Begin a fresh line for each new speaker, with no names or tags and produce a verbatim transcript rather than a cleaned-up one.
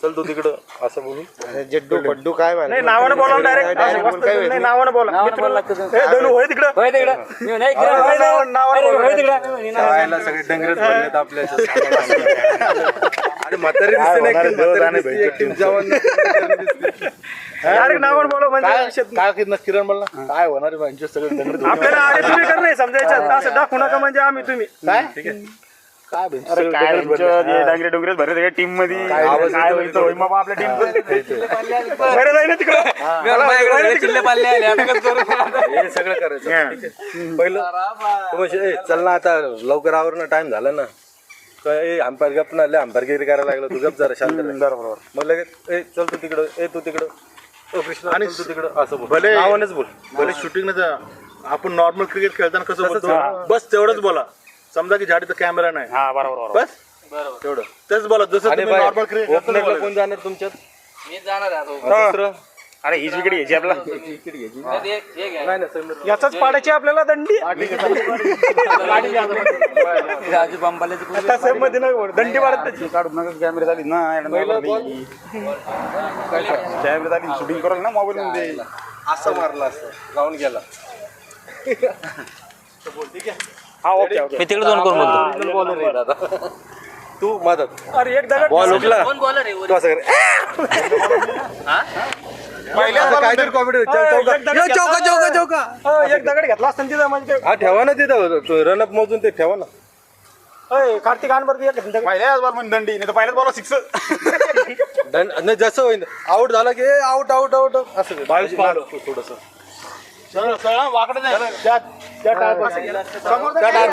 चल तू तिकडं असं बोलून
जड्डू बड्डू काय
नाही नावानं बोला डायरेक्ट नाही नावानं बोला धनू होय तिकडं होय तिकडं
शाळेला सगळे डंगरच भरलेत आपल्या अरे म्हातारी दिसते एक टीम जवान
डायरेक्ट नावानं बोला म्हणजे
काय किरण बोलला काय होणार आहे सगळे डंगर
आपल्याला अरे तुम्ही कर नाही समजायचं असं दाखवू नका म्हणजे आम्ही तुम्ही
काय ठीक आहे काय
डांगरे डोंगरे भरले टीम मध्ये काय होईल मग आपल्या टीम बरं जाईल ना तिकडं
चिल्ले पाल्ले आले आता कसं करू हे सगळं करायचं पहिलं म्हणजे चल ना आता लवकर आवर ना टाइम झाला ना काय अंपायर गप ना लय अंपायरगिरी करायला लागला तू गप जरा शांत बरोबर मग लगेच ए चल तू तिकडं ए तू तिकडं ओ कृष्ण आणि तू तिकडं असं बोल
भले
नावानेच बोल
भले शूटिंग ना आपण नॉर्मल क्रिकेट खेळताना कसं बोलतो बस तेवढंच बोला समजा की झाडीचा कॅमेरा नाही
हा बरोबर
बस बरोबर तेवढं तेच बोला जसं तुम्ही नॉर्मल क्रिकेट
ओपनरला कोण जाणार तुमच्यात
मी जाणार आहे
दुसरं
अरे हीच विकेट घ्यायची आपला
नाही ना समीर
याचाच पाडायची आपल्याला दंडी
राजू बंबाले
आता सेम मध्ये नाही दंडी पाडत त्याची
काढून नका कॅमेरा झाली ना कॅमेरा झाली शूटिंग करेल ना मोबाईल मध्ये
असं मारला असं राऊंड गेला
हा ओके ओके
मी तिकडे दोन करून बोलतो
तू मदत
अरे एक दगड
बॉल उठला
कोण बॉलर आहे
तू असं कर पहिल्या काहीतरी कॉमेडी चौका चौका चौका
हा, एक दगड घेतला असता तिथं म्हणजे
हा ठेवा ना तिथं रनअप मोजून ते ठेवा ना
अय, कार्तिक आनबर एक दगड
पहिल्याच बॉल मध्ये दंडी नाही तर पहिल्याच बॉल सिक्स
दंड नाही जसं होईल आउट झाला की आउट आउट आउट असं बावीस थोडस
वाकडे नाही